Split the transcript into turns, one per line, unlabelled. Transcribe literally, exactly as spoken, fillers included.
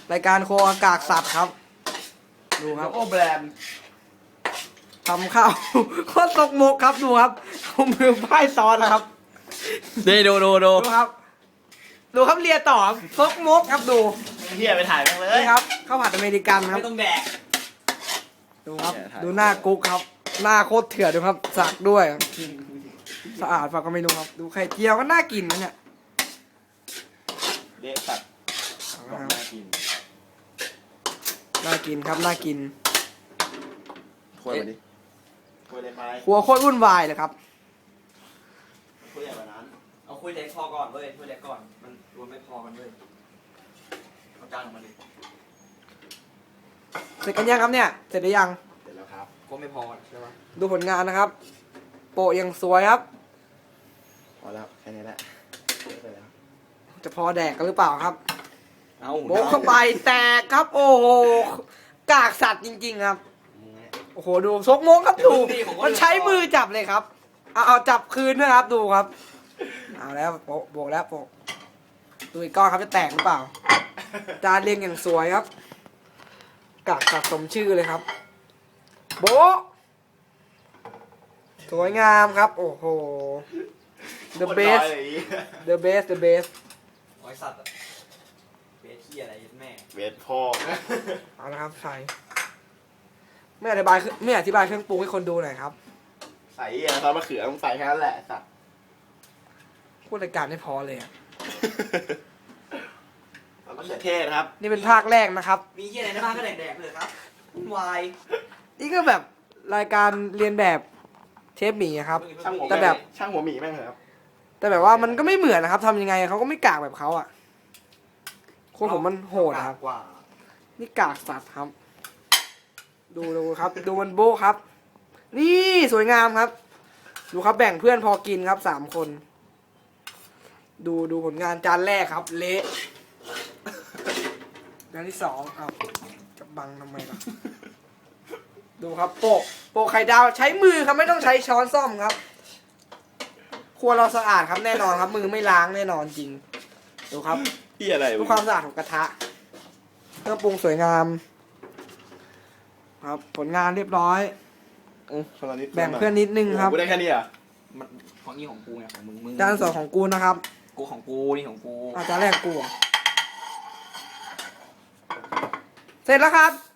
รายการโคอากากสัตว์ครับดูครับ
โอแบรนด์
ทำข้าว โคตรตกมกครับดูครับเอามือป้ายซ้อนนะครับ
นี่ดูดูดู
ดูครับ ดูครับเลียต่อครับซกมกครับดู
เฮียไปถ่ายกันเลย
นี่ครับข้าวผัดอเมริกันครับ
ไม่ต้องแดก
ดูครับ
เนี่ยถ่าย
ดูหน้ากุ๊กครับ หน้าโคตรเถื่อนดูครับสักด้วย สะอาดฝากก็ไม่รู้ครับ ดูไข่เจียวก็น่ากินนะเนี่ย
เละสัตว์บอกน่ากิน
น่ากินครับน่ากิน
คุยมาดิคุยเลยไหม
ครัวโคตรวุ่นวายเลยครับ
คุยใหญ่กว่านั้น
เอาคุยเล็กพอก่อนเว้ยคุยเล็กก่อน มันรวมไม่พอกันเว้ย
เอาจานออกมาดิ
เสร็จกันยังครับเนี่ย เสร็จหรือยัง
เสร็จแล้วครับ
ก็ไม่พอใช่ปะ
ดูผลงานนะครับ โปะยังสวยครับ
พอแล้วแค่นี้แหละเสร็จแล้ว
จะพอแดกกันหรือเปล่าครับ
เอา
โบกเข้าไปแตกครับ โอ้โหกากสัตว์จริงๆครับ โอ้โหดูซกมกครับดูมันใช้มือจับเลยครับ เอาเอาจับคืนนะครับดูครับ เอาแล้วโปะโบกแล้วโปะดูอีกก้อนครับจะแตกหรือเปล่า จานเรียงอย่างสวยครับ กากสัตว์สมชื่อเลยครับ โบะสวยงามครับ โอ้โห the
โคตรน้อย
best
เลย
the best the best
ไอ้สัตว์อะเบสที่อะไรยัดแม่
เวทพ่อ
เอาละครับใส่ไม่อธิบายไม่อธิบายเครื่องปรุงให้คนดูหน่อยครับ
ใส่อะไรซอสมะเขือต้องใส่แค่นั้นแหละสัตว์
พูดรายการไม่พอเลยอะ
ซอสมะเขือเทศครับ
นี่เป็นภาคแรกนะครับ
มีที่อะไรในบ้านก็แดกๆเลยครับวุ่นวาย
นี่ก็แบบรายการเรียนแบบเชฟหมีอะครับ
ช่างหัว
แต่แบบ
ช่างหัวหมีแม่งเหรอครับ
แต่แบบว่ามันก็ไม่เหมือนนะครับทำยังไงเขาก็ไม่กากแบบเขาอ่ะโคตรผมมันโหดอะครับ
กว่า
นี่กากสัตว์ครับ ดูดูครับ ดูมันโบ้ครับ นี่สวยงามครับ ดูครับแบ่งเพื่อนพอกินครับสามคน ดูดูผลงานจานแรกครับ เละจานที่สองเอาจะบังทำไมล่ะ ดูครับโปะโปะไข่ดาวใช้มือครับไม่ต้องใช้ช้อนซ่อมครับ ครัวเราสะอาดครับแน่นอนครับ มือไม่ล้างแน่นอนจริง ดูครับ
พี่อะไร
ดูความสะอาดของกระทะเครื่องปรุงสวยงาม ครับ ผลงานเรียบร้อย
อื้อคนละนิด
แบ่งเพื่อนนิดนึงครับ
กูได้แค่นี้เหรอ่ะ
มันของนี่ของกูไงของมึงมึง
จานสองของกูนะครับ
กูของกูนี่ของกู
อาจานแรกกูเหรอเสร็จแล้วครับ